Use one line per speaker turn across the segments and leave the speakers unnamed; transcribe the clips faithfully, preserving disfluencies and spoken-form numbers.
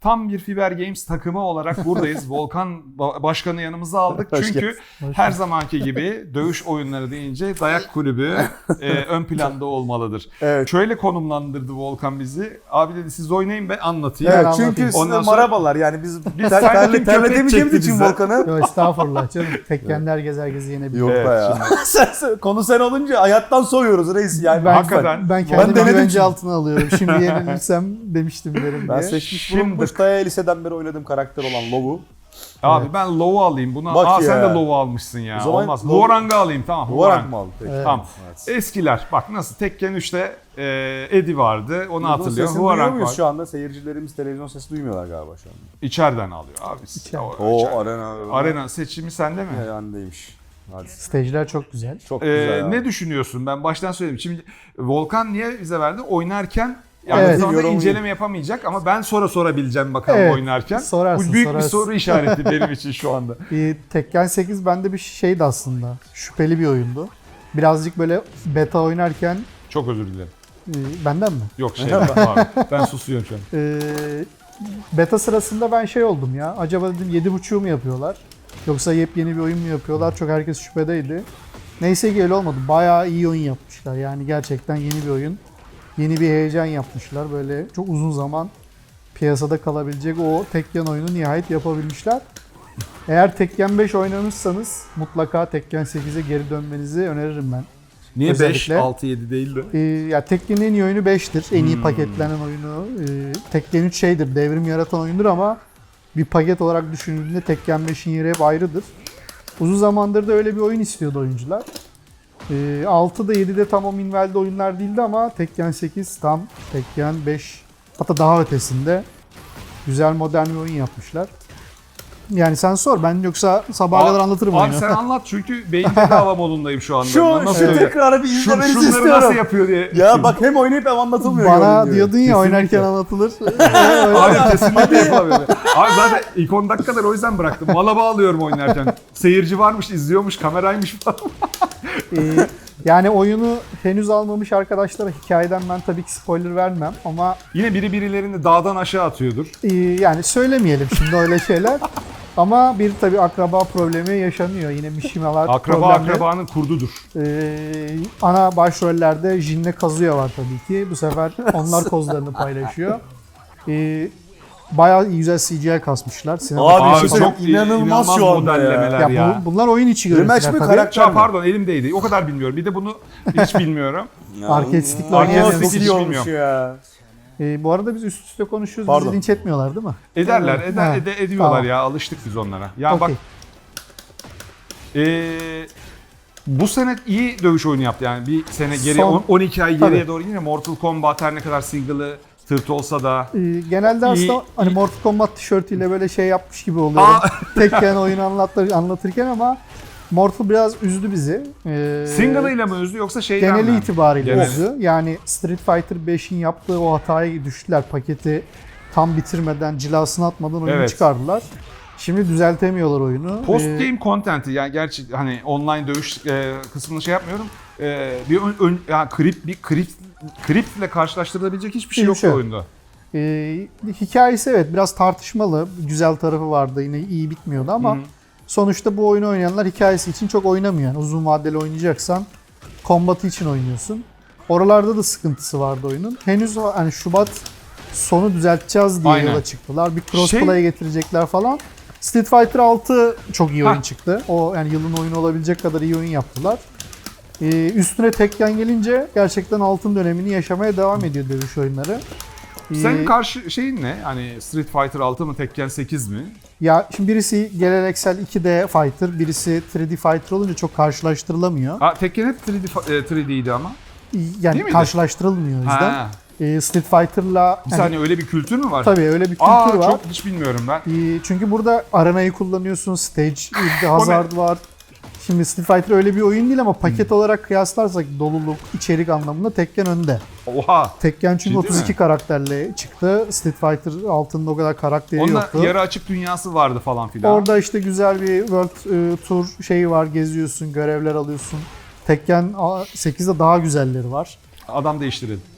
tam bir Fiber Games takımı olarak buradayız. Volkan ba- Başkanı yanımıza aldık. Çünkü her zamanki gibi dövüş oyunları deyince Dayak Kulübü e, ön planda olmalıdır.
Evet.
Şöyle konumlandırdı Volkan bizi. Abi dedi siz oynayın ben anlatayım.
Evet,
Ben
çünkü
anlatayım.
size
Ondan sonra
marabalar yani biz,
Biz
ter,
sanki
terle,
köpek
terletemeyeceğimiz
çekti
için
bize.
Volkan'ı.
Yok estağfurullah canım. Tekken herkes herkesi yenebilir.
Yok
Evet,
be ya. sen, sen- konu sen olunca hayattan soyuyoruz reis yani.
Ben,
Hakikaten.
ben kendimi
denedim
güvence
çünkü.
altına alıyorum. Şimdi yenilirsem demiştim derim
Ben
diye.
seçmiş
Şimdi-
bulunmuş Taya liseden beri oynadığım karakter olan Lov'u.
Abi ben Low'u alayım. Buna
Bak
Aa, sen
ya.
de Low'u almışsın ya.
O zaman
Olmaz.
Low-
Huarang'ı alayım tamam.
Huarang mı aldı peki?
Evet.
Tamam.
Evet.
Eskiler. Bak nasıl Tekken üçte e, Eddie vardı. Onu
Bunun
hatırlıyorum.
sesini duyuyor
Huarang
muyuz
var.
şu anda? Seyircilerimiz televizyon sesi duymuyorlar galiba şu anda.
İçeriden alıyor abi.
İçeriden.
O,
O
içeriden.
arena.
Arena seçimi sende mi?
Yandaymış. Hadi.
Stage'ler çok güzel.
Çok
Ee,
güzel. abi.
ne düşünüyorsun? Ben baştan söyleyeyim. Şimdi Volkan niye bize verdi? Oynarken yani
Evet.
sonra
Yorum-
inceleme yapamayacak ama ben sonra sorabileceğim bakalım
Evet,
oynarken.
sorarsın,
Bu büyük
sorarsın.
bir soru işareti benim için şu anda.
Ee, Tekken sekiz bende bir şeydi aslında. Şüpheli bir oyundu. Birazcık böyle beta oynarken
Çok özür dilerim.
e, benden mi?
Yok şey abi. Ben susuyorum şu an.
Ee, beta sırasında ben şey oldum ya. Acaba dedim yedi buçuğu mu yapıyorlar? Yoksa yepyeni bir oyun mu yapıyorlar? Çok herkes şüphedeydi. Neyse ki öyle olmadı. Bayağı iyi oyun yapmışlar. Yani gerçekten yeni bir oyun. Yeni bir heyecan yapmışlar. Böyle çok uzun zaman piyasada kalabilecek o Tekken oyunu nihayet yapabilmişler. Eğer Tekken beş oynamışsanız mutlaka Tekken sekize geri dönmenizi öneririm ben.
Niye beş,
Özellikle-
altı, yedi değil de?
Ee, ya Tekken'in en iyi oyunu beştir. En iyi
Hmm.
paketlenen oyunu. Ee, Tekken üç şeydir, devrim yaratan oyundur ama bir paket olarak düşünüldüğünde Tekken beşin yeri hep ayrıdır. Uzun zamandır da öyle bir oyun istiyordu oyuncular. Ee, altıda yedide tam o minvalde oyunlar değildi ama Tekken sekiz tam Tekken beş hatta daha ötesinde güzel modern bir oyun yapmışlar. Yani sen sor, ben yoksa sabaha
Abi-
kadar anlatırım
Abi
oyunu.
sen anlat çünkü beyin bedava modundayım şu anda.
Şu,
Nasıl
şu
öyle?
tekrarı bir
Şu,
izlemenizi
şunları
istiyorum.
nasıl yapıyor diye.
Ya bak hem oynayıp hem anlatılmıyor.
Bana
gördüğün gibi.
diyordun ya
Kesinlikle.
oynarken anlatılır.
Abi kesinlikle yapamıyorum. Abi zaten ilk on dakikalar o yüzden bıraktım. Mala bağlıyorum oynarken. Seyirci varmış, izliyormuş, kameraymış falan.
Ee, yani oyunu henüz almamış arkadaşlara hikayeden ben tabii ki spoiler vermem ama
Yine biri birilerini dağdan aşağı atıyordur.
e, yani söylemeyelim şimdi öyle şeyler. Ama bir tabii akraba problemi yaşanıyor. Yine Mishimalar
Akraba
problemli.
akrabanın kurdudur.
Ee, ana başrollerde Jin'le Kazuya var tabii ki. Bu sefer onlar kozlarını paylaşıyor. Ee, bayağı iyi güzel C G I kasmışlar. Sinema
Abi,
Abi
bir şey
çok
söyleyeyim, inanılmaz
inanılmaz
şu anda
modellemeler
ya,
ya.
bu- bunlar oyun içi
Rematch
görüntüler
mi,
tabii.
karakter
Ya
mi?
pardon elimdeydi. O kadar bilmiyorum. Bir de bunu hiç bilmiyorum.
Arcade
oynayamıyoruz.
Çok iyi
Hiç
olmuş
bilmiyorum.
ya.
Ee, bu arada biz üst üste konuşuyoruz.
Pardon.
Bizi linç etmiyorlar değil mi?
Ederler, eder,
Ha,
ede- ediyorlar
tamam.
ya. Alıştık biz onlara. Ya bak
Okey.
Ee, bu sene iyi dövüş oyunu yaptı yani bir sene geriye
Son-
on- on iki ay geriye
Tabii.
doğru yine Mortal Kombat her ne kadar single'ı tırt olsa da
Ee, genelde aslında
İyi-
hani
iyi-
Mortal Kombat tişörtüyle böyle şey yapmış gibi oluyorum.
Aa!
Tekken oyunu anlatır, anlatırken ama Mortal biraz üzdü bizi. Ee,
single'ıyla mı üzdü yoksa şeyden
geneli
mi?
itibariyle
Genel.
üzdü. Yani Street Fighter beşin yaptığı o hataya düştüler. Paketi tam bitirmeden, cilasını atmadan oyunu
Evet.
çıkardılar. Şimdi düzeltemiyorlar oyunu.
Post
Ee,
game content'i yani gerçi hani online dövüş e, kısmını şey yapmıyorum. E, bir ön, ön yani krip bir krip kriple karşılaştırılabilecek hiçbir şey
Hiçbir
yok
şey yok.
oyunda.
Ee, hikayesi evet biraz tartışmalı. Güzel tarafı vardı, yine iyi bitmiyordu ama
Hı hı.
sonuçta bu oyunu oynayanlar hikayesi için çok oynamıyor. Yani uzun vadeli oynayacaksan kombatı için oynuyorsun. Oralarda da sıkıntısı vardı oyunun. Henüz hani Şubat sonu düzelteceğiz diye
Aynen.
yola çıktılar. Bir crossplay
Şey-
getirecekler falan. Street Fighter altı çok iyi oyun
Hah.
çıktı. O yani yılın oyunu olabilecek kadar iyi oyun yaptılar. Ee, üstüne Tekken gelince gerçekten altın dönemini yaşamaya devam ediyor dövüş oyunları.
Senin
Ee,
karşı şeyin ne? Hani Street Fighter altı mı Tekken sekiz mi?
Ya şimdi birisi geleneksel iki D fighter, birisi üç D fighter olunca çok karşılaştırılamıyor.
Ha, Tekken hep üç D, fa- e, üç D'ydi ama. Değil
Yani
miydi?
karşılaştırılmıyor o yüzden.
Ha,
Ee, Street Fighter'la
bir
hani,
saniye öyle bir kültür mü var?
tabii öyle bir kültür
Aa
var.
çok hiç bilmiyorum ben.
Ee, çünkü burada arenayı kullanıyorsun, stage hazard var. Şimdi Street Fighter öyle bir oyun değil ama paket
Hmm.
olarak kıyaslarsak doluluk, içerik anlamında Tekken önde.
Oha.
Tekken çünkü
Ciddi
otuz iki
mi?
karakterle çıktı. Street Fighter altında o kadar karakteri
Onda
yoktu.
yarı açık dünyası vardı falan filan.
Orada işte güzel bir World e, Tour şeyi var, geziyorsun, görevler alıyorsun. Tekken sekizde daha güzelleri var.
Adam değiştirelim.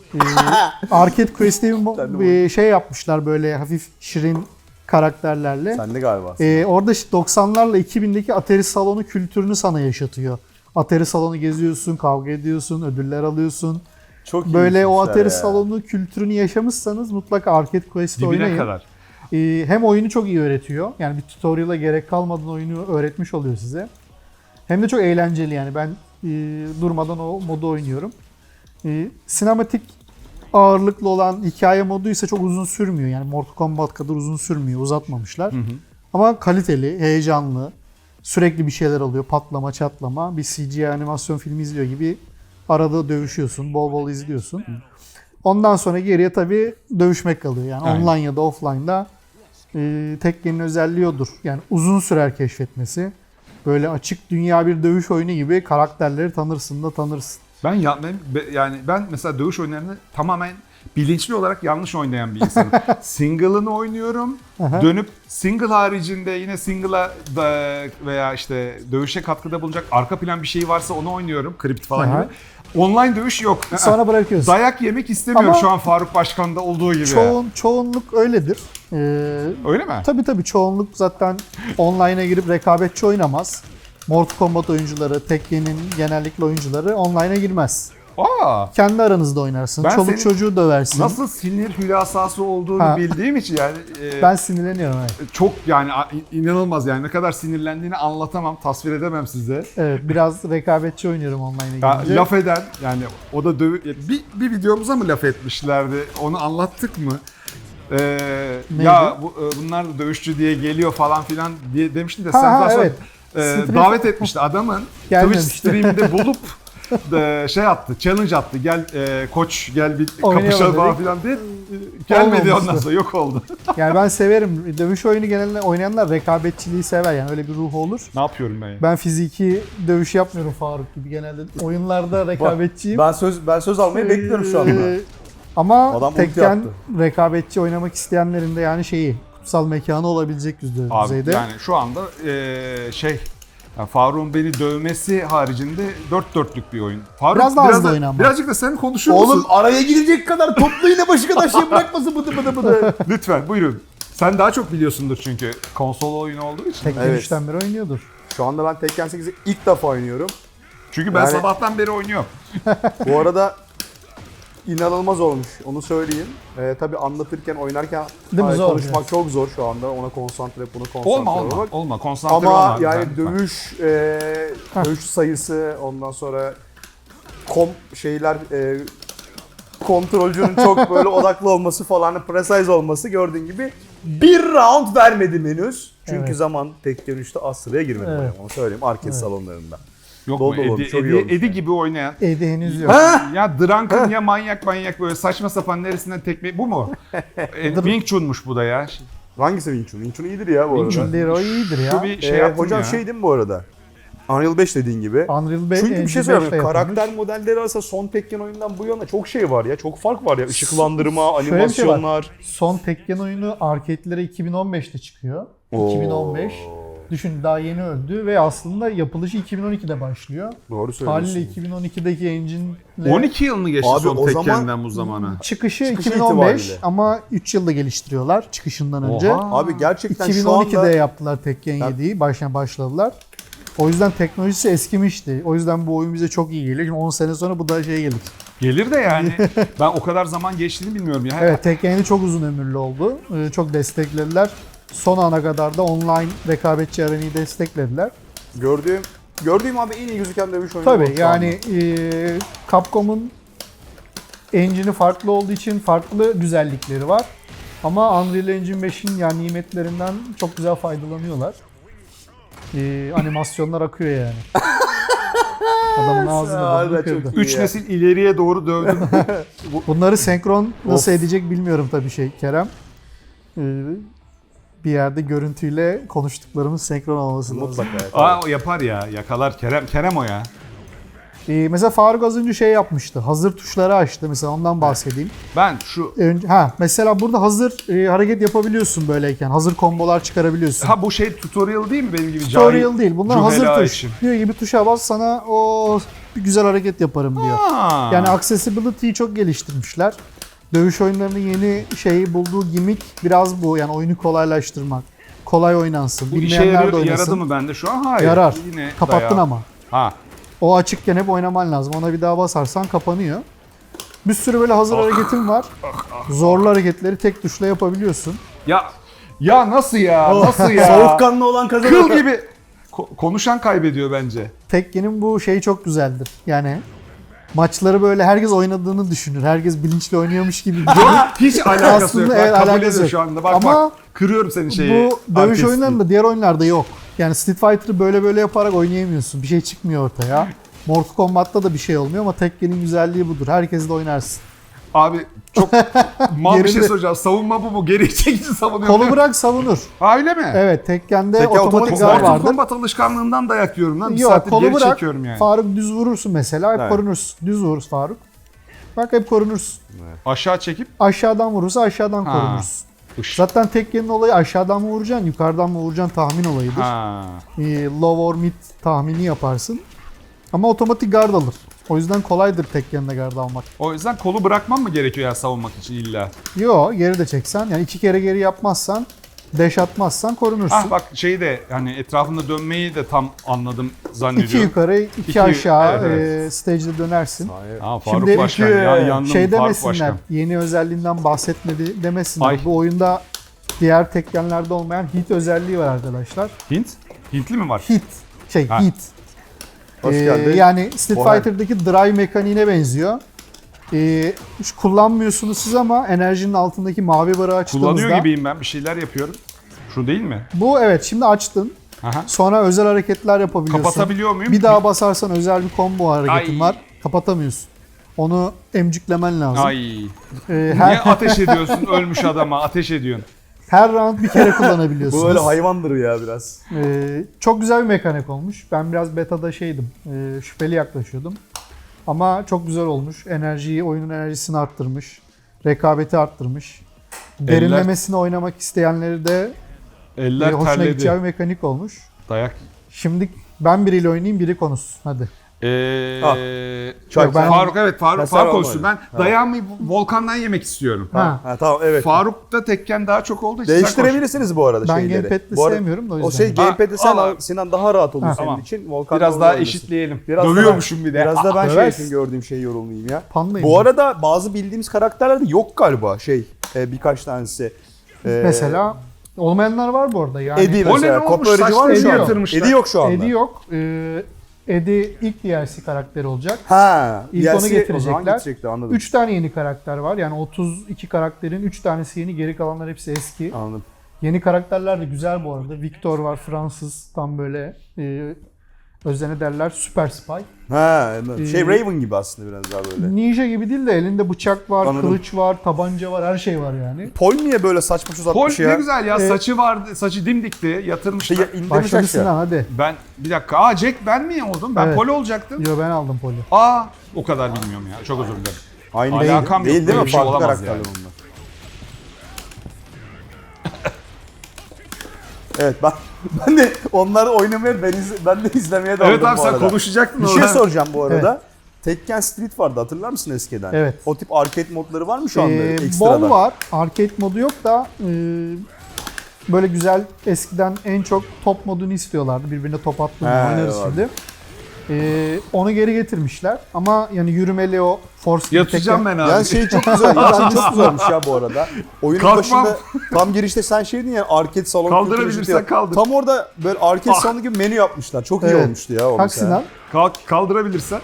Ee, Arcade Quest diye bir mo-
Sen de
bir şey yapmışlar böyle hafif şirin karakterlerle.
Sen de galiba.
Ee, orada işte doksanlarla iki bindeki Atari salonu kültürünü sana yaşatıyor. Atari salonu geziyorsun, kavga ediyorsun, ödüller alıyorsun.
Çok iyi
Böyle o
işmişler
Atari
ya.
salonu kültürünü yaşamışsanız mutlaka Arcade Quest'i
Dibine
oynayın.
kadar.
Ee, hem oyunu çok iyi öğretiyor. Yani bir tutorial'a gerek kalmadan oyunu öğretmiş oluyor size. Hem de çok eğlenceli yani. Ben e, durmadan o modu oynuyorum. E, sinematik ağırlıklı olan hikaye modu ise çok uzun sürmüyor. Yani Mortal Kombat kadar uzun sürmüyor. Uzatmamışlar.
Hı hı.
Ama kaliteli, heyecanlı. Sürekli bir şeyler oluyor. Patlama, çatlama. Bir C G I animasyon filmi izliyor gibi arada dövüşüyorsun. Bol bol izliyorsun. Ondan sonra geriye tabii dövüşmek kalıyor. Yani
Aynen.
online ya da offline'da e, Tekken'in özelliği odur. Yani uzun sürer keşfetmesi. Böyle açık dünya bir dövüş oyunu gibi karakterleri tanırsın da tanırsın.
Ben, ya, ben be- yani ben mesela dövüş oyunlarını tamamen bilinçli olarak yanlış oynayan bir insanım. Single'ını oynuyorum.
Aha.
Dönüp single haricinde yine single'a da veya işte dövüşe katkıda bulunacak arka plan bir şey varsa onu oynuyorum. Crypt falan
Aha.
gibi. Online dövüş yok.
Sonra bırakıyorsun.
Dayak yemek istemiyorum
Ama
şu an Faruk Başkan'da olduğu gibi.
Çoğun, çoğunluk öyledir. Ee,
Öyle mi?
tabii tabii çoğunluk zaten online'a girip rekabetçi oynamaz. Mortal Kombat oyuncuları, Tekken'in genellikle oyuncuları online'a girmez.
Aa,
Kendi aranızda oynarsın.
Ben
Çoluk
senin
çocuğu döversin.
nasıl sinir hülasası olduğunu
Ha.
bildiğim için yani e,
Ben sinirleniyorum. Evet.
çok yani a- inanılmaz yani ne kadar sinirlendiğini anlatamam, tasvir edemem size.
Evet, biraz rekabetçi oynuyorum online'a
Ya,
girince.
laf eden yani o da dövü bir, bir videomuza mı laf etmişlerdi? Onu anlattık mı? Ee,
Neydi?
ya bu, e, bunlar da dövüşçü diye geliyor falan filan diye demiştin de
Ha,
sen
ha,
daha sonra
evet.
e,
Street-
davet etmişti adamın Twitch
Gelmemişti.
stream'de bulup da şey attı, challenge attı. Gel e, koç gel bir
Oynayalım
kapışalım falan
dedik.
filan diye. E, Gelmedi
Olmamıştı.
ondan sonra yok oldu.
Yani ben severim. Dövüş oyunu genelde oynayanlar rekabetçiliği sever. Yani öyle bir ruh olur.
Ne yapıyorum ben ya?
Ben fiziki dövüş yapmıyorum Faruk gibi genelde. Oyunlarda rekabetçiyim.
Ben söz ben söz almayı bekliyorum şu anda.
Ee, Ama
Adam ulti
Tekken
yaptı.
rekabetçi oynamak isteyenlerin de yani şeyi kutsal mekanı olabilecek düzeyde.
Abi yani şu anda e, şey yani Faruk'un beni dövmesi haricinde dört dörtlük bir oyun. Faruk
Biraz daha hızlı oyna ama.
Birazcık da sen konuşuyor
Oğlum
musun?
araya girecek kadar toplu yine başı kadar şey bırakmasın bıdı bıdı bıdı.
Lütfen buyurun. Sen daha çok biliyorsundur çünkü konsol oyunu olduğu için.
Tekken
Evet.
üçten beri oynuyordur.
Şu anda ben Tekken sekizi ilk defa oynuyorum.
Çünkü ben
Yani-
sabahtan beri oynuyorum.
Bu arada inanılmaz olmuş. Onu söyleyeyim. Ee, tabii anlatırken, oynarken
Değil mi?
ay,
Zor
konuşmak
biraz.
çok zor şu anda. Ona konsantre, buna konsantre
Olma olma
olmak.
olma konsantre
Ama
olma.
yani
lütfen, lütfen.
dövüş, e, dövüş sayısı, ondan sonra kom şeyler, e, kontrolcünün çok böyle odaklı olması falan, precise olması gördüğün gibi bir round vermedim henüz. Çünkü
Evet.
zaman Tekken üçte az sıraya girmedim.
Evet.
Onu söyleyeyim arcade
Evet.
salonlarında.
Yok
Dolu
mu?
dolu olmuş,
Edi,
çok iyi
Edi,
olmuş
Edi
yani.
gibi oynayan.
Evde henüz yok.
Ya Drunken ya manyak manyak böyle saçma sapan neresinden tekme bu mu? E, Wing Chun'muş bu da ya.
Hangisi Wing Chun? Wing Chun iyidir ya bu arada.
Chun değil, o iyidir ya.
Şu bir şey
Ee,
yaptım
hocam
ya.
şey değil mi bu arada? Unreal beş dediğin gibi.
Unreal beş,
Çünkü bir şey
beşte
söyleyeyim.
yapılmış.
Karakter modelleri arasında son Tekken oyundan bu yana çok şey var ya. Çok fark var ya. Işıklandırma,
Şöyle bir şey var.
animasyonlar.
Son Tekken oyunu arcade'lere iki bin on beşte çıkıyor.
Oo.
iki bin on beş. Düşün daha yeni öldü ve aslında yapılışı iki bin on ikide başlıyor.
Doğru
Haliyle
söylüyorsun.
iki bin on ikideki engine'le
on iki yıl mı geçti
Abi
son
o zaman-
Tekken'den bu zamana?
çıkışı,
Çıkışı
iki bin on beş
itibariyle.
ama üç yılda geliştiriyorlar çıkışından önce.
Oha.
Abi gerçekten
iki bin
şu
on ikide
anda
yaptılar Tekken yediyi. Baştan başladılar. O yüzden teknolojisi eskimişti. O yüzden bu oyun bize çok iyi geliyor. Şimdi on sene sonra bu da şey gelir.
Gelir de yani ben o kadar zaman geçtiğini bilmiyorum ya.
Evet, Tekken yedi çok uzun ömürlü oldu. Ee, Çok desteklediler. Son ana kadar da online rekabetçi arenayı desteklediler.
gördüğüm gördüğüm abi en iyi gözüken dövüş oyunu
Tabii
bu şu
yani e, Capcom'un engine'i farklı olduğu için farklı güzellikleri var. Ama Unreal Engine beşin yani nimetlerinden çok güzel faydalanıyorlar. E, animasyonlar akıyor yani. Adamın ağzını
Harbiden
burnunu
çok
kırdı.
iyi.
Üç nesil ileriye doğru dövdüm.
Bunları senkron nasıl
Of.
edecek bilmiyorum tabii şey Kerem. E, bir yerde görüntüyle konuştuklarımız senkron olması lazım.
Mutlaka. ya, tabii.
Aa o yapar ya yakalar Kerem Kerem o ya.
E, mesela Faruk az önce şey yapmıştı. Hazır tuşları açtı. Mesela ondan bahsedeyim.
Ben şu
Önce, ha mesela burada hazır e, hareket yapabiliyorsun böyleyken. Hazır kombolar çıkarabiliyorsun.
ha bu şey tutorial değil mi benim gibi
Tutorial
cahil
değil. Bunlar
cühela
hazır tuş.
için?
Diyor gibi tuşa bas sana o bir güzel hareket yaparım diyor.
Aa.
Yani accessibility'yi çok geliştirmişler. Dövüş oyunlarının yeni şeyi bulduğu gimmick biraz bu. Yani oyunu kolaylaştırmak. Kolay oynansın.
Bu işe
Bilmeyenler de
yarıyor,
oynasın.
yaradı mı bende şu an? Hayır.
Yarar.
Yine
Kapattın
dayağı.
ama.
Ha.
O açıkken hep oynaman lazım. Ona bir daha basarsan kapanıyor. Bir sürü böyle hazır
Ah.
hareketin var. Zorlu hareketleri tek tuşla yapabiliyorsun.
Ya ya nasıl ya? Nasıl ya?
Soğukkanlı olan kazanır.
Kıl gibi. Ko- konuşan kaybediyor bence.
Tekken'in bu şeyi çok güzeldir. Yani maçları böyle herkes oynadığını düşünür. Herkes bilinçli oynuyormuş gibi.
Hiç alakası
Aslında
yok.
evet,
Bak, kabul
alakası
ediyor
yok.
şu anda. Bak
Ama
bak. Kırıyorum senin şeyi.
bu dövüş
artisti.
oyunlarında diğer oyunlarda yok. Yani Street Fighter'ı böyle böyle yaparak oynayamıyorsun. Bir şey çıkmıyor ortaya. Mortal Kombat'ta da bir şey olmuyor ama Tekken'in güzelliği budur. Herkes de oynarsın.
Abi çok mal bir şey
Geride-
soracağım. Savunma bu mu? Geri çekici savunuyor.
Kolu bırak savunur.
Ha, öyle mi?
Evet, Tekken'de
Tekken
otomatik
otomatik
gar
zaten
Mortal
vardır.
Kombat alışkanlığından dayak yiyorum lan. Bir
Yok,
saattir
kolu
geri
bırak.
çekiyorum yani.
Faruk düz vurursun mesela, hep
Evet.
korunursun. Düz vurursun Faruk. Bak hep korunursun.
Aşağı çekip
Aşağıdan vurursa aşağıdan
Ha.
korunursun.
Iş.
Zaten Tekken'in olayı aşağıdan mı vuracaksın, yukarıdan mı vuracaksın tahmin olayıdır.
Ha.
Ee, low or mid tahmini yaparsın. Ama otomatik guard alır. O yüzden kolaydır Tekken'de guard almak.
O yüzden kolu bırakmam mı gerekiyor ya savunmak için illa?
Yo, geri de çeksen, yani iki kere geri yapmazsan, dash atmazsan korunursun.
Ah bak şeyi de hani etrafında dönmeyi de tam anladım zannediyorum.
İki yukarı, iki,
İki-
aşağı
evet, evet.
e, stage'de dönersin.
Ha, Faruk
Şimdi
Başkan
iki-
ya yandım
Şey
Faruk
demesinler,
Başkan.
yeni özelliğinden bahsetmedi demesinler.
Ay.
Bu oyunda diğer Tekken'lerde olmayan hit özelliği var arkadaşlar.
Hint? Hintli mi var?
Hit, şey
Ha.
hit.
Hoş
Ee,
geldin.
yani Street
Bohem.
Fighter'daki drive mekaniğine benziyor. Ee, hiç kullanmıyorsunuz siz ama enerjinin altındaki mavi barı açtığınızda.
Kullanıyor gibiyim ben bir şeyler yapıyorum. Şu değil mi?
Bu evet, şimdi açtın.
Aha.
Sonra özel hareketler yapabiliyorsun.
Kapatabiliyor muyum?
Bir daha basarsan özel bir combo hareketin
Ay.
var. Kapatamıyorsun. Onu emciklemen lazım.
Ay.
Ee,
Niye
her,
ateş ediyorsun ölmüş adama ateş ediyorsun?
her round bir kere kullanabiliyorsunuz.
Bu öyle hayvandır ya biraz.
Ee, çok güzel bir mekanik olmuş. Ben biraz beta'da şeydim, e, şüpheli yaklaşıyordum. Ama çok güzel olmuş. Enerjiyi, oyunun enerjisini arttırmış. Rekabeti arttırmış. Derinlemesine oynamak isteyenleri de e,
Eller
hoşuna
terledi.
gideceği bir mekanik olmuş.
Dayak.
Şimdi ben biriyle oynayayım, biri konuşsun. Hadi.
Ee,
Ah.
Yok, ben-
Faruk evet Faruk
Ben
Faruk
sen
olsun. Ben
olmadın.
dayağımı Volkan'dan yemek istiyorum.
Ha.
Ha tamam evet.
Faruk'ta Tekken daha çok olduğu için sen konuş.
Değiştirebilirsiniz bu arada
Ben
şeyleri.
gamepad'li
Bu arada-
sevmiyorum da o
O
yüzden.
şey gamepad'i sen
al
al,
abi.
Sinan daha rahat olur
Ha,
senin
tamam.
için. Volkan
Biraz
da
daha
oynasın.
eşitleyelim.
Biraz da
Dövüyormuşum bir de.
Biraz da ben şey
döversin.
için gördüğüm şeyi yorumlayayım ya.
Pandayım
Bu
ben.
arada bazı bildiğimiz karakterler de yok galiba şey e, birkaç tanesi. E,
Mesela olmayanlar var bu arada. Yani
Eddie
O ne
mesela.
olmuş?
Kopya öğretici var mı şu
Saçlarını
anda?
yatırmışlar.
Eddie yok şu anda.
Eddie yok. Ee, Eddie ilk D L C karakteri olacak.
Ha.
İlk
D L C
onu
O
getirecekler.
zaman getirecekti anladım.
üç tane yeni karakter var. Yani otuz iki karakterin üç tanesi yeni, geri kalanlar hepsi eski.
Anladım.
Yeni karakterler de güzel bu arada. Victor var, Fransız, tam böyle e, özene derler süper spy.
Ha, evet. şey
Ee,
Raven gibi aslında biraz daha böyle.
Ninja gibi değil de elinde bıçak var,
Anladım.
kılıç var, tabanca var, her şey var yani.
Pol niye böyle saçma
Pol
uzatmış ya?
ne güzel ya
Ee,
saçı vardı saçı dimdikti yatırmışlar.
Şey, indirmiş
Başladı
aşağı.
Sinan, hadi.
Ben bir dakika aa Jack ben mi oldum? Ben
Evet.
Pol olacaktım.
Yo, ben aldım poli.
Aa o kadar bilmiyorum ya çok özür dilerim.
Aynı
Alakam
değil.
yok,
Değil değil
böyle
mi?
bir şey
Farklı
olamaz
karakterler
yani.
onlar. Evet ben ben de onları oynamaya ben, iz, ben de izlemeye daldım
Evet abi
bu
sen
arada.
konuşacaktın
Bir
orada.
şey soracağım bu arada. Tekken Street vardı hatırlar mısın eskiden?
Evet.
O tip arcade modları var mı şu anda
Ee,
ekstradan?
bol var. Arcade modu yok da e, böyle güzel, eskiden en çok top modunu istiyorlardı. Birbirine top attığında
He,
oynarız
vardı.
şimdi. Ee, onu geri getirmişler. Ama yani yürümeli o force gibi
Yatacağım
Tekken-
ben abi.
Yani şey çok güzel. Yani çok güzelmiş ya bu arada. Oyunun
Kalkmam.
başında tam girişte sen şey dedin ya arcade salonu.
Kaldırabilirsen
kültürü işte.
kaldır.
Tam orada böyle arcade
Ah.
salonu gibi menü yapmışlar. Çok iyi
Evet.
olmuştu ya o
Kalk
mesela.
Sinan.
Kalk, kaldırabilirsen.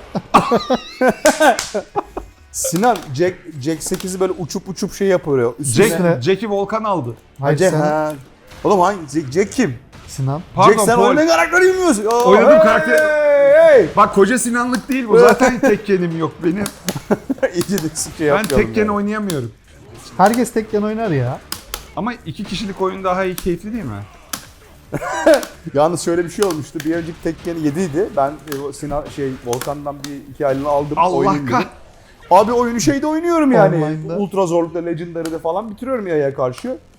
Sinan Jack, Jack sekizi böyle uçup uçup şey yapıyor. Üstüne.
Üstüne-
Jack, Jack'i Volkan aldı.
Hayır,
Jack,
sen,
ha. Oğlum hangi Jack, Jack kim?
Sinan.
Pardon
Jack sen
Pol.
oynayan karakteri bilmiyorsun. Oo,
Oynadığım
hey,
karakter-
Hey, hey.
Bak koca Sinanlık değil bu zaten Tekken'im yok benim.
İyice de şey
Ben
yapıyorum
Tekken
yani.
oynayamıyorum.
Herkes Tekken oynar ya.
Ama iki kişilik oyun daha iyi keyifli değil mi?
Yalnız şöyle bir şey olmuştu. Bir önceki Tekken yediydi. Ben e, o Sinan şey Volkan'dan bir iki aylığını aldım.
Allah
oynayayım
kah.
dedim. Abi oyunu şeyde oynuyorum yani.
Online'da.
Ultra zorlukta, Legendary'de falan bitiriyorum yaya karşı.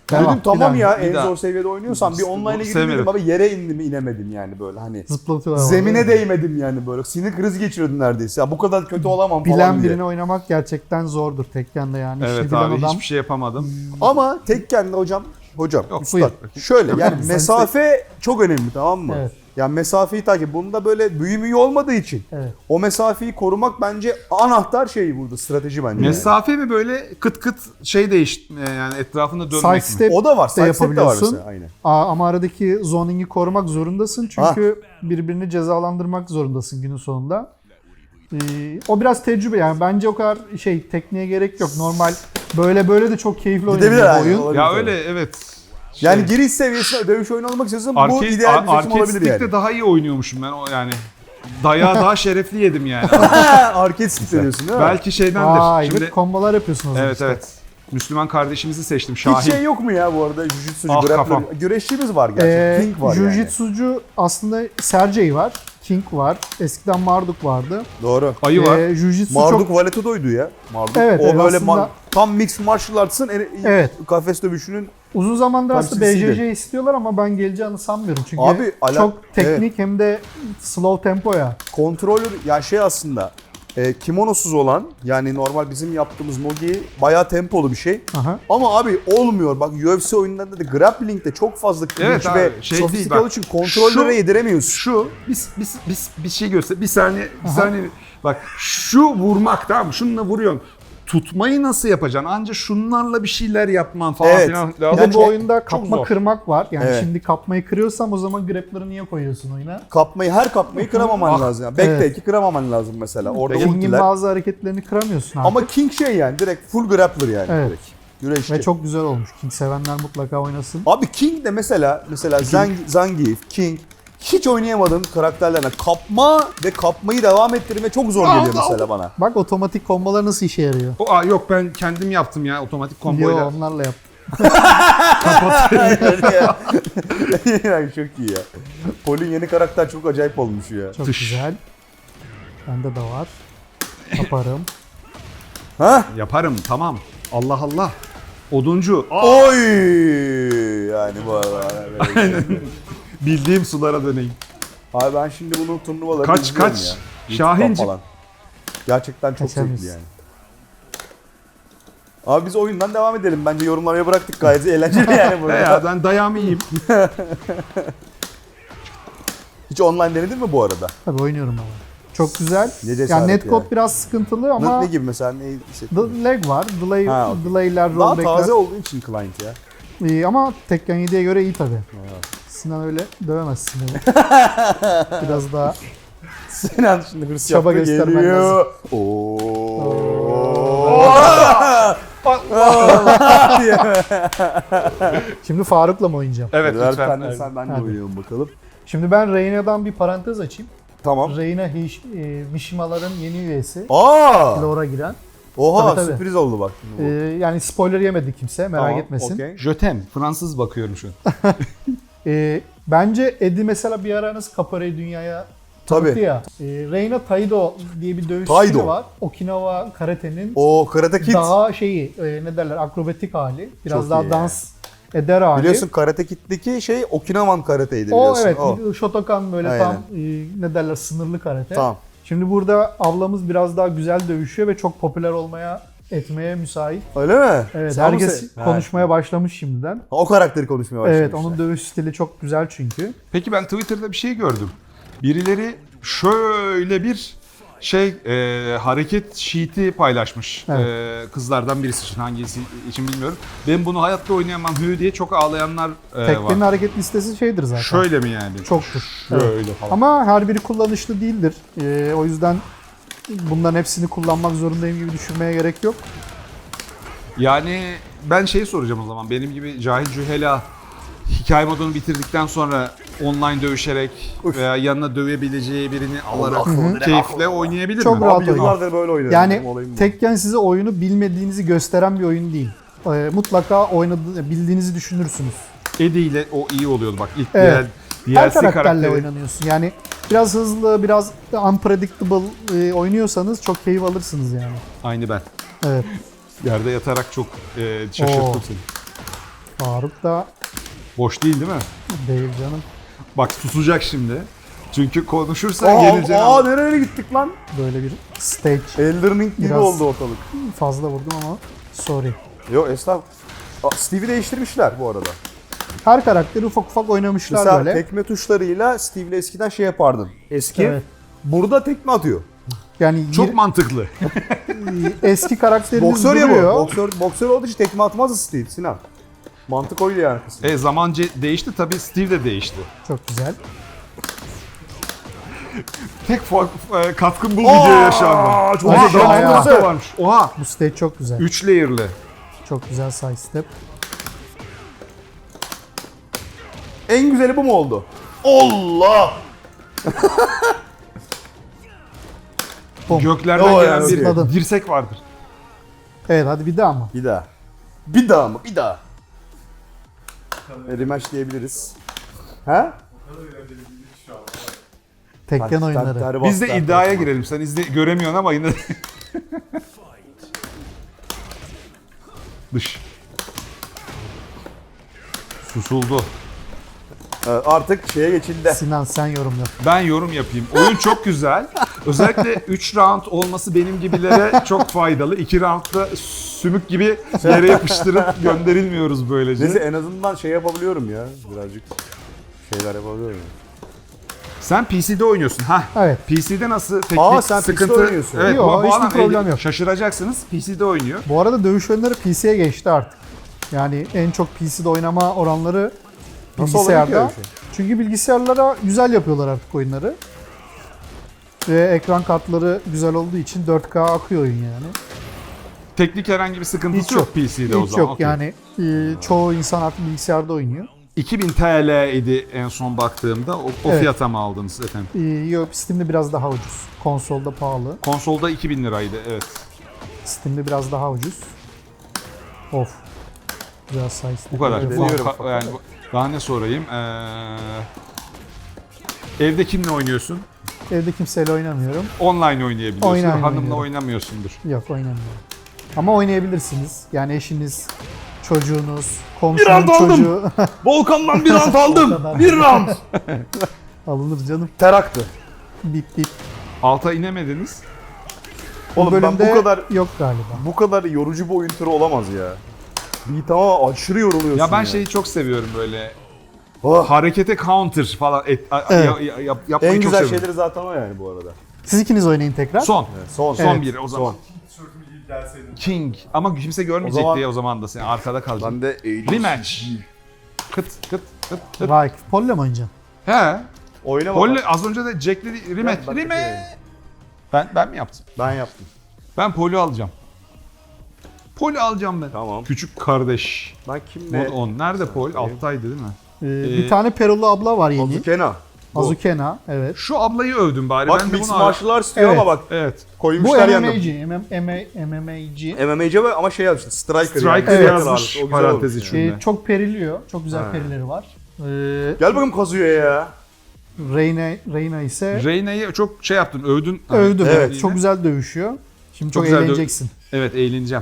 Tamam,
Dedim tamam
bir
ya
daha, bir
en
daha.
zor seviyede oynuyorsan bir
İşte
online'a
bunu
girdim
sevmedim.
dedim abi yere indim inemedim yani böyle hani.
Zıplatıyorlar.
Zemine
vallahi.
değmedim yani böyle. Sinir krizi geçiriyordum neredeyse. Ya bu kadar kötü olamam falan
Bilen
diye.
birini oynamak gerçekten zordur Tekken'de yani. İşte
Evet
bilen
abi
adam
hiçbir şey yapamadım.
Ama Tekken'de hocam, hocam
Yok,
üstad,
buyur.
şöyle yani
Sen-
mesafe çok önemli tamam mı?
Evet.
Yani mesafeyi takip. Bunda böyle büyü müyü olmadığı için
Evet.
o mesafeyi korumak bence anahtar şey burada strateji bence. yani.
Mesafe mi böyle kıt kıt şey değiş e, yani etrafında dönmek mi?
Sidestep
O da var.
de
Sidestep de var
yapabiliyorsun.
mesela. Aynen.
Aa, ama aradaki zoning'i korumak zorundasın çünkü birbirini cezalandırmak zorundasın günün sonunda. Ee, o biraz tecrübe yani bence o kadar şey tekniğe gerek yok. Normal böyle böyle de çok keyifli
Gidebilir
oynanıyor bu
yani,
oyun.
olabilir
Ya
tabii.
öyle evet.
Yani
Şey,
giriş seviyesinde dövüş oyunu olmak istiyorsan bu
arcade,
ideal bir seçim
arcade
olabilir
stick'te
yani.
daha iyi oynuyormuşum ben o yani. Dayağı daha şerefli yedim yani.
Arcade stick diyorsun değil mi?
Belki şeydendir.
Vay,
Şimdi
evet, kombolar yapıyorsunuz.
evet
işte.
evet. Müslüman kardeşimizi seçtim Şahin.
Hiç şey yok mu ya bu arada? Jiu-Jitsu'cu,
Ah,
grappler.
kafam.
Güreşçimiz var gerçi.
Ee,
King var yani.
Jiu-Jitsu'cu aslında Sergey var. King var. Eskiden Marduk vardı.
Doğru.
Ayı var.
Ee, Jiu-Jitsu
Marduk
çok...
Valetudo'ydu ya. Marduk.
Evet,
o
evet,
böyle
aslında-
ma- tam mixed martial arts'ın en
Evet.
kafes dövüşünün
Uzun zamandır aslında B
Temsilcisi
J J istiyorlar ama ben geleceğini sanmıyorum. Çünkü
Abi, ala-
çok teknik hem de slow tempo ya.
kontrolör ya şey aslında e, kimonosuz olan yani normal bizim yaptığımız nogi bayağı tempolu bir şey.
Aha.
Ama abi olmuyor. Bak U F C oyunlarında da grappling'de çok fazla clinch
Evet abi,
ve
şey
sofistike
değil, bak.
olduğu için kontrollere
Şu-
yediremiyorsun.
Şu biz biz biz bir şey göster. Bir saniye bir saniye. Bak şu vurmak tamam mı? Şununla vuruyorsun. Tutmayı nasıl yapacaksın? Anca şunlarla bir şeyler yapman falan
Evet.
filan
Bir
lazım.
de bu
çok-
oyunda
çok
kapma
zor.
kırmak var. Yani
Evet.
şimdi kapmayı kırıyorsam o zaman grappler'ı niye koyuyorsun oyuna?
Kapmayı her kapmayı kıramaman
Ah.
lazım. Yani. Backtake'i
Evet.
kıramaman lazım mesela. Orada
King'in
ultiler.
bazı hareketlerini kıramıyorsun artık.
Ama King şey yani direkt full grappler yani.
Evet.
Direkt. Güreşçi.
Ve çok güzel olmuş. King sevenler mutlaka oynasın.
Abi King de mesela mesela Zang, Zangief, King hiç oynayamadığım karakterlerine kapma ve kapmayı devam ettirme çok zor geliyor mesela bana.
Bak otomatik kombolar nasıl işe yarıyor.
O, aa, yok ben kendim yaptım ya otomatik
Yo
komboyla.
onlarla yap.
Yani çok iyi ya. Paul'in yeni karakter çok acayip olmuş ya.
Çok
Tış.
güzel. Bende de var. Yaparım.
Ha?
Yaparım tamam. Allah Allah. Oduncu. Aa,
Oy! Yani bu arada.
bildiğim sulara döneyim.
Abi ben şimdi bunun turnuvalarını
Kaç,
izliyorum
kaç?
ya. YouTube'dan
Şahinciğim.
falan. Gerçekten çok
Kaçamayız.
zevkli yani. Abi biz oyundan devam edelim. Bence yorumlamaya bıraktık gayet eğlenceli yani
He
burada.
ya ben dayağımı yiyeyim.
Hiç online denedin mi bu arada?
Tabii oynuyorum ama. Çok güzel.
Ne cesaret
Yani netcode
ya.
biraz sıkıntılı
Ne,
ama
ne gibi mesela? Ne hissettin?
the lag var. Delay,
Ha, okey.
delay'ler,
Daha
rollback'ler.
taze olduğu için client ya.
İyi ama Tekken yediye göre iyi tabii. Sinan öyle dövemezsin beni. Biraz daha
Sinan şimdi hırs
Çaba
yaptı,
göstermen
geliyor. Oo.
Şimdi Faruk'la mı oynayacağım?
Evet
Ver
lütfen.
sen de sen ben de
Hadi.
oynayalım bakalım.
Şimdi ben Reyna'dan bir parantez açayım.
Tamam.
Reyna Hish- e, Mishimaların yeni üyesi.
Aa!
Lore'a giren.
Oha
Tabii, tabii.
sürpriz oldu bak şimdi bu.
Ee, yani spoiler yemedi kimse merak
Tamam,
etmesin.
okey.
Jötem. Fransız bakıyorum şu an.
Ee, bence Eddie mesela bir ara nasıl Capoeira'yı dünyaya tanıttı
Tabii.
ya. Ee, Reina Taido diye bir dövüş
Taido.
stili var. Okinawa karate'nin
O Karate Kid.
daha şeyi e, ne derler akrobatik hali. Biraz
Çok
daha
iyi
dans eder hali.
Biliyorsun Karate Kid'deki şey Okinawan Karate'ydi
o
biliyorsun.
evet
O.
Shotokan böyle
Aynen.
tam e, ne derler sınırlı karate.
Tamam.
Şimdi burada ablamız biraz daha güzel dövüşüyor ve çok popüler olmaya etmeye müsait.
Öyle mi?
Evet
Sen mi
herkes
se-
konuşmaya başlamış şimdiden.
Ha, o karakteri konuşmaya başlamış.
Evet onun dövüş stili çok güzel çünkü.
Peki ben Twitter'da bir şey gördüm. Birileri şöyle bir şey e, hareket sheet'i paylaşmış.
Evet.
E, kızlardan birisi için hangisi için bilmiyorum. Ben bunu hayatta oynayamam hü diye çok ağlayanlar e,
Tekkenin
var.
hareket listesi şeydir zaten.
Şöyle mi yani?
Çoktur.
Şöyle
Evet.
falan.
Ama her biri kullanışlı değildir. Ee, o yüzden bunların hepsini kullanmak zorundayım gibi düşünmeye gerek yok.
Yani ben şeyi soracağım o zaman. Benim gibi cahil cühela hikaye modunu bitirdikten sonra online dövüşerek
Üf.
veya yanına dövebileceği birini alarak
Allah.
keyifle oynayabilir
Çok
mi?
rahat
Abi yıllardır böyle oynuyorum.
Yani
Benim olayım bu.
Tekken size oyunu bilmediğinizi gösteren bir oyun değil. Ee, mutlaka oynadığı, bildiğinizi düşünürsünüz.
Eddie ile o iyi oluyordu bak ilk
Evet.
diğer
Her
D L C
karakterle
karakteri.
oynanıyorsun. Yani biraz hızlı, biraz unpredictable e, oynuyorsanız çok keyif alırsınız yani.
Aynı ben.
Evet.
Yerde yatarak çok e, şaşırttım
Oo.
seni.
Faruk da
Boş değil değil mi?
değil canım.
Bak susacak şimdi. Çünkü konuşursa
Aa,
geleceğini
aa
anlar.
nereye gittik lan?
Böyle bir stage.
Elden Ring gibi
Biraz-
oldu ortalık.
Fazla vurdum ama sorry.
Yo estağfurullah. Aa, Steve'i değiştirmişler bu arada.
Her karakteri ufak ufak oynamışlar
Mesela
böyle.
tekme tuşlarıyla Steve'le eskiden şey yapardın. Eski.
Evet.
Burada tekme atıyor.
Yani
Çok
yir-
mantıklı.
eski karakterimiz
Boksör ya bu.
duruyor.
Boksör, boksör olduğu için tekme atmazdı Steve Sinan. Mantık oydu yani.
E zaman ce- değişti tabii, Steve de değişti.
Çok güzel.
Tek fark, e, katkım bu videoya şu anda.
çok
Oha,
güzel
daha
ya.
fazla varmış. Oha.
Bu stage çok güzel.
üç layer'lı.
Çok güzel side step.
En güzeli bu mu oldu? Allah!
Bom.
Göklerden
O
gelen
yani,
bir
zıpladın.
dirsek vardır.
Evet hadi bir daha mı?
Bir daha. Bir daha mı? Bir daha. E, rematch diyebiliriz. Ha?
Tekken oyunları.
Biz de iddiaya girelim. Sen izle göremiyorsun ama yine dış. Susuldu.
Ee, Artık şeye geçildi.
Sinan sen yorum yap.
Ben yorum yapayım. Oyun çok güzel. Özellikle üç round olması benim gibilere çok faydalı. iki roundda sümük gibi yere yapıştırıp gönderilmiyoruz böylece.
Neyse en azından şey yapabiliyorum ya. Birazcık şeyler yapabiliyorum.
Sen P C'de oynuyorsun. Ha.
Evet.
P C'de nasıl teknik
Aa, sen P C'de
sıkıntı?
oynuyorsun.
Evet,
Yok,
bu- bu
hiçbir
adam
problem
el-
yok.
Şaşıracaksınız. P C'de oynuyor.
Bu arada dövüş oyunları P C'ye geçti artık. Yani en çok P C'de oynama oranları
Nasıl oluyor ki
bilgisayarda.
öyle bir şey?
Çünkü bilgisayarlara güzel yapıyorlar artık oyunları. Ve ekran kartları güzel olduğu için dört K akıyor oyun yani.
Teknik herhangi bir sıkıntısı
Hiç
yok,
yok.
P C'de o
Hiç
zaman.
yok
Okey.
yani e, çoğu insan artık bilgisayarda oynuyor.
iki bin T L idi en son baktığımda. O, o
Evet.
fiyata mı aldınız efendim?
E, yok Steam'de biraz daha ucuz. Konsolda pahalı.
Konsolda iki bin liraydı, evet.
Steam'de biraz daha ucuz. Of. Güzel size.
Bu kadar.
Evet,
Bu-
deniyorum.
ka- yani bu- daha ne sorayım? Ee, evde kimle oynuyorsun?
Evde kimseyle oynamıyorum.
Online oynayabiliyorsun.
Online
Hanımla
oynuyorum.
oynamıyorsundur.
Yok oynamıyorum. Ama oynayabilirsiniz. Yani eşiniz, çocuğunuz,
Bir
komşunun
round aldım.
çocuğu
Volkan'dan bir round
O kadar.
aldım. Bir round.
alınır canım.
Teraktı.
Bip bip.
Alta inemediniz.
Bu
Oğlum ben
bölümde
bu kadar
yok galiba.
bu kadar yorucu bir oyun türü olamaz ya. Bir tamam aşırı yoruluyorsun
Ya ben şeyi çok seviyorum böyle.
Oh.
Harekete counter falan et, a-
Evet.
ya- ya- yap- yapmayı
En
çok
güzel
seviyorum.
şeyleri zaten o yani bu arada.
Siz ikiniz oynayın tekrar.
Son.
Son.
Son
Evet.
bir o zaman.
Son.
King. Ama kimse görmeyecek
O zaman-
diye o zaman da sen arkada kalacaksın.
Ben de
Rematch. Kıt kıt kıt kıt.
Vay, Pol'le mi oynayacaksın?
He.
oynama.
Polly az önce de Jack dedi rematch.
Ben- ben-
Rematch. Ben ben mi yaptım?
Ben yaptım.
Ben Polly alacağım. Polly alacağım ben.
Tamam.
Küçük kardeş.
Ben kimle?
Mod on. Nerede Pol? Alttaydı değil mi?
Ee,
Ee,
bir tane Perulu abla var yeni.
Azukena. Bu.
Azukena, evet.
Şu ablayı övdüm bari.
Bak
ben de
Mixed
bunu
Martial Arts diyor
Evet.
ama bak
Evet.
Bu
koymuşlar yanına.
M M A'ci, M M A, M M A'ci.
M M A'ci ve ama şey yazmış. Striker,
Striker
yani.
yazmış
O güzel
parantez
olmuş
içinde.
Ee, çok periliyor. Çok güzel
Ha.
perileri var. Ee,
Gel bakalım Kazuya ya.
Reyna, Reyna ise
Reyna'yı çok şey yaptın, övdün.
övdüm.
Evet.
Evet. Çok güzel dövüşüyor. Şimdi
Çok
çok,
güzel dö-
eğleneceksin.
Evet, eğleneceğim.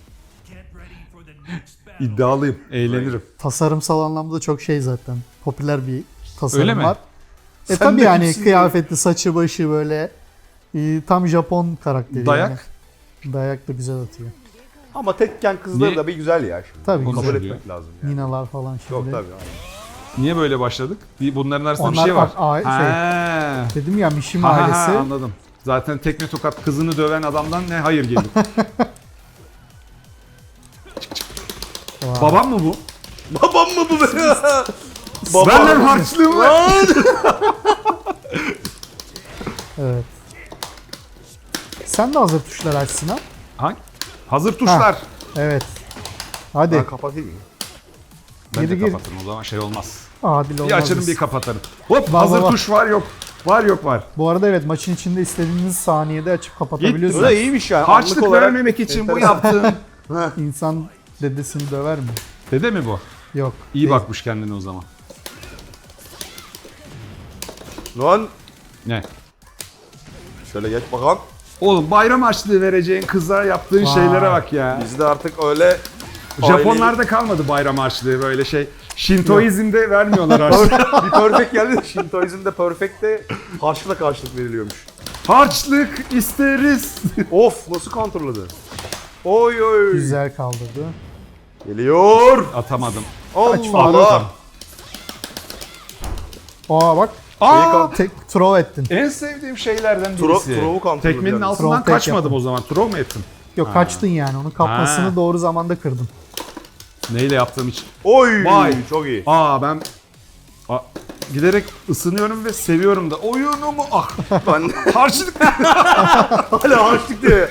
İddialıyım, eğlenirim.
Tasarımsal anlamda çok şey zaten. Popüler bir tasarım
Öyle mi?
var. E
Sen
tabii
de
yani
kimsin
kıyafetli, saçı başı böyle e, tam Japon karakteri.
Dayak?
Yani. Dayak da güzel atıyor.
Ama tekken kızları
Niye?
da bir güzel ya şimdi.
Tabii
Onu
Kabul
güzel.
söylüyor.
etmek lazım yani.
Ninalar falan şimdi.
Yok tabii.
Niye böyle başladık? Bir- Bunların arasında bir
Onlar
şey var.
a- a- şey,
Ha.
Dedim ya Mishima
Ha, ha, ha,
ailesi.
anladım. Zaten tekme tokat kızını döven adamdan ne hayır gelir.
Vay.
Babam mı bu?
Babam mı bu be?
Benden harçlığım var.
Evet. Sen de hazır tuşlar açsın ha.
Hangi? Hazır tuşlar.
Evet. Hadi.
Ben kapatayım mı?
Ben
Gir,
de
gir.
kapatırım o zaman şey olmaz.
Adil olmaz.
Bir açarım
biz.
bir kapatırım. Hop
Var,
hazır
var, var.
tuş var yok. Var yok var.
Bu arada evet maçın içinde istediğiniz saniyede açıp
Bu
kapatabiliyorsunuz.
da iyiymiş yani. Anlık
Harçlık
olarak-
vermemek için bu
Enteresan.
yaptığım.
İnsan dedesini döver mi?
Dede mi bu?
Yok.
İyi
değil.
bakmış kendine o zaman.
Lan
Ne?
şöyle geç bakalım.
Oğlum bayram harçlığı vereceğin kıza yaptığın
Vay.
şeylere bak ya.
Bizde artık öyle
Japonlarda kalmadı bayram harçlığı böyle şey. Şintoizm'de vermiyorlar harçlık.
Bir perfect geldi de Shintoizm'de perfect'te harçlıkla karşılık veriliyormuş.
Harçlık isteriz.
Of nasıl kontrolladı? Oy oy.
Güzel kaldırdı.
Geliyor.
Atamadım.
Kaç falan
Allah.
Aa bak.
Aa,
Tek throw ettin.
en sevdiğim şeylerden
Tro-
birisi.
throw'u kontrol
Tekmenin
ediyorum.
altından
Throw tek
kaçmadım
yaptım.
o zaman. Throw mu ettim?
Yok kaçtın yani. Onun kapmasını
Ha.
doğru zamanda kırdın.
Neyle yaptığım için.
Oy.
Vay.
Çok iyi.
Aa ben Aa, giderek ısınıyorum ve seviyorum da oyunumu. Ah.
Ben
Harçlık.
hala harçlık diye.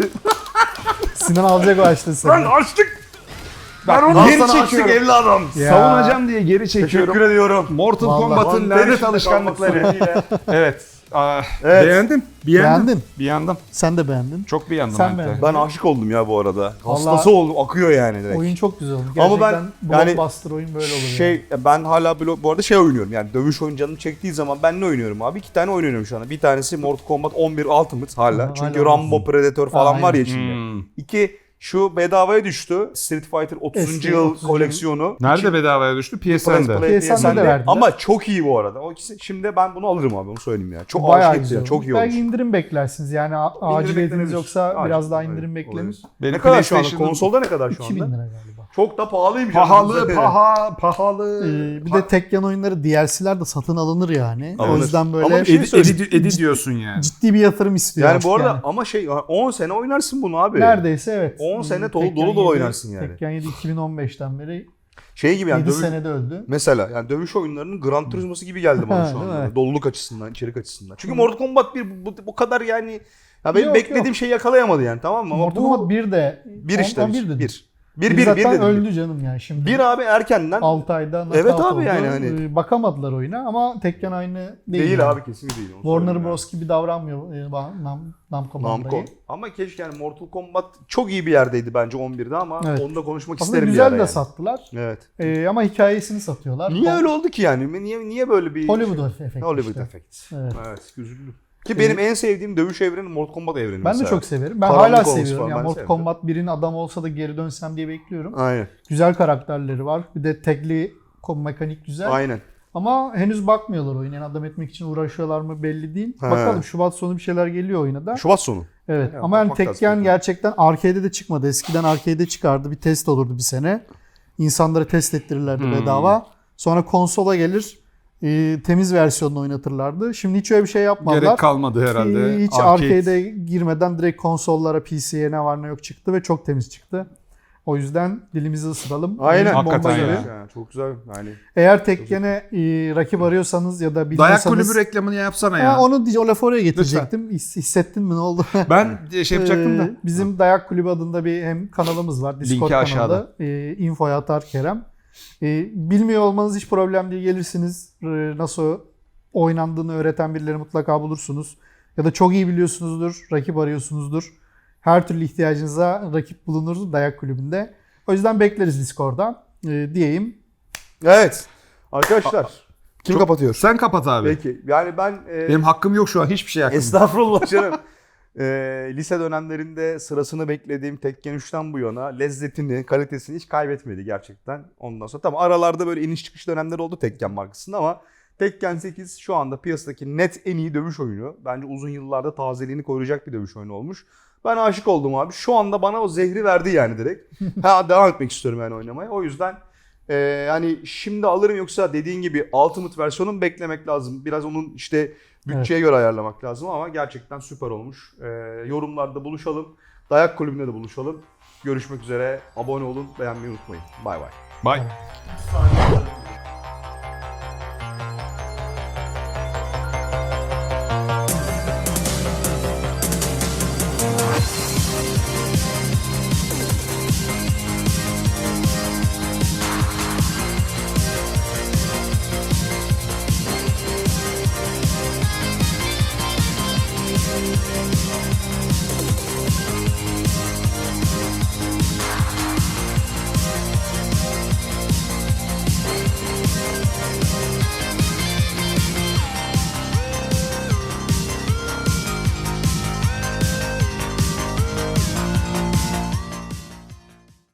Sinan alacak o açtı seni.
Ben harçlık.
Ben onu
Al
geri
sana harçlık
çekiyorum.
evladım.
Ya.
Savunacağım diye geri çekiyorum.
Teşekkür ediyorum.
Mortal
Vallahi.
Kombat'ın
Vallahi
lanet
içinde
alışkanlıkları.
kalmak suretiyle.
Evet. Aa,
Evet.
Beğendim. Beğendim.
Beğendin.
Beğendim.
Sen de beğendin.
Çok beğendim.
Sen
ben de.
beğendin.
Ben aşık oldum ya bu arada. Hastası
Vallahi-
oldum. Akıyor yani direkt.
Oyun çok güzel oldu.
Ama
Gerçekten
ben- yani
blockbuster oyun böyle olur.
Şey
yani.
ben hala blo- bu arada şey oynuyorum yani dövüş oyun canım çektiği zaman ben ne oynuyorum abi? İki tane oyun oynuyorum şu anda. Bir tanesi Mortal Kombat on bir Ultimate hala.
Ha,
Çünkü
hala
Rambo, Predator falan
Aynen.
var ya içinde.
Hmm.
İki şu bedavaya düştü. Street Fighter otuzuncu
Eski
yıl
otuzuncu
koleksiyonu.
Nerede bedavaya düştü? P S N'de.
Play-
P S N'de
P S N'de.
de verdiler.
Ama çok iyi bu arada. O ikisi şimdi ben bunu alırım abi onu söyleyeyim ya. Çok
Bayağı
aşık
güzel
ya.
oldu.
Çok iyi
Belki
olmuş.
indirim beklersiniz. Yani a- aciliyetiniz
beklenebilir.
yoksa
Acil,
biraz daha
evet,
indirim beklenir.
olabilir.
Benim
Ne kadar şu anda?
PlayStation'ım-
Konsolda ne kadar şu
iki bin
anda?
lira galiba.
Çok da pahalıymış.
Pahalı,
anasını
paha, pahalı.
Ee, bir de Tekken oyunları D L C'ler de satın alınır yani. O
Alınır.
yüzden böyle
Ama bir şey
Edi,
söyleyeyim.
edi, edi diyorsun yani.
ciddi bir yatırım istiyor
Yani
artık
bu arada ama şey on sene oynarsın bunu abi.
Neredeyse evet.
on sene
Hmm,
dolu-
Tekken
dolu dolu
yedi
oynarsın yani.
Tekken yedi iki bin on beşten beri
Şey gibi yani
yedi
dövüş,
senede öldü.
mesela yani dövüş oyunlarının Gran Turismo'su gibi geldi bana
Ha,
şu
değil
anda.
mi?
Doluluk açısından, içerik açısından. Çünkü Mortal Kombat bir bu, bu kadar yani ya benim
Yok,
beklediğim
yok.
şeyi yakalayamadı yani tamam mı? Ama
Mortal
bu
Kombat bir de
bir işte
on-
bir.
on dedim.
Bir. Bir,
Bir,
bir, bir,
zaten
dedim.
öldü canım yani şimdi.
Bir abi erkenden
altı ayda
Evet
knockout
abi
oldu.
yani hani-
Ee, Bakamadılar oyuna ama Tekken aynı değil.
değil
yani.
abi kesinlikle değil. onu
Warner
söyleyeyim
Bros gibi davranmıyor e, Nam, Nam, Namco
yani. Namco.
Bandai.
Ama keşke yani Mortal Kombat çok iyi bir yerdeydi bence on birde ama
Evet.
onu da konuşmak
Aslında
isterim bir
güzel
ara
de
yani.
sattılar.
Evet.
Ee, ama hikayesini satıyorlar.
Niye
Hol-
öyle oldu ki yani? Niye niye böyle bir
Hollywood efekti
Hollywood
işte.
efekt.
Evet.
Evet, üzüldüm. Ki benim en sevdiğim dövüş evreni Mortal Kombat evreni
Ben
mesela.
de çok severim. Ben
Karanlık
hala
olması
seviyorum.
falan,
Yani
ben
Mortal
severim.
Kombat birin adam olsa da geri dönsem diye bekliyorum.
Aynen.
Güzel karakterleri var. Bir de tekli kom mekanik güzel.
Aynen.
Ama henüz bakmıyorlar oyuna. Yani adam etmek için uğraşıyorlar mı belli değil.
He.
Bakalım Şubat sonu bir şeyler geliyor oyuna da.
Şubat sonu.
Evet
Ya,
ama yani
bakmak lazım.
Tekken gerçekten arcade'de de çıkmadı. Eskiden arcade'de çıkardı. Bir test olurdu bir sene. İnsanlara test ettirirlerdi
Hmm.
bedava. Sonra konsola gelir e, temiz versiyonunu oynatırlardı. Şimdi hiç öyle bir şey yapmadılar.
Gerek kalmadı herhalde.
Hiç
Arcade.
arcade'e girmeden direkt konsollara, P C'ye ne var ne yok çıktı ve çok temiz çıktı. O yüzden dilimizi ısıralım.
Aynen.
Bomba
Hakikaten
gibi.
ya.
Yani çok güzel. Yani
Eğer Tekken'e e, rakip arıyorsanız ya da
Dayak
bilmiyorsanız...
kulübü reklamını yapsana
Ha,
ya.
onu diye- o lafı oraya getirecektim. His- Hissettin mi ne oldu?
Ben şey yapacaktım da.
Ee, Bizim Dayak Kulübü adında bir hem kanalımız var. Discord
Linki aşağıda.
kanalı. Ee, infoya atar Kerem. Ee, bilmiyor olmanız hiç problem değil. Gelirsiniz. Ee, nasıl oynandığını öğreten birileri mutlaka bulursunuz. Ya da çok iyi biliyorsunuzdur. Rakip arıyorsunuzdur. Her türlü ihtiyacınıza rakip bulunur Dayak Kulübü'nde. O yüzden bekleriz Discord'da. Ee, diyeyim.
evet. Arkadaşlar kim
Çok-
kapatıyor?
Sen kapat abi.
Peki. Yani ben e,
Benim hakkım yok şu an. Hiçbir şey hakkım yok.
estağfurullah canım. E, lise dönemlerinde sırasını beklediğim Tekken üçten bu yana lezzetini, kalitesini hiç kaybetmedi gerçekten. Ondan sonra tamam aralarda böyle iniş çıkış dönemleri oldu Tekken markasında ama Tekken sekiz şu anda piyasadaki net en iyi dövüş oyunu. Bence uzun yıllarda tazeliğini koruyacak bir dövüş oyunu olmuş. Ben aşık oldum abi. Şu anda bana o zehri verdi yani direkt. Ha devam etmek istiyorum yani oynamaya. O yüzden e, hani şimdi alırım yoksa dediğin gibi Ultimate versiyonu mu beklemek lazım. Biraz onun işte bütçeye göre ayarlamak lazım ama gerçekten süper olmuş. E, yorumlarda buluşalım. Dayak kulübünde de buluşalım. Görüşmek üzere. Abone olun, beğenmeyi unutmayın. Bay bay.
Bye.
Saniye.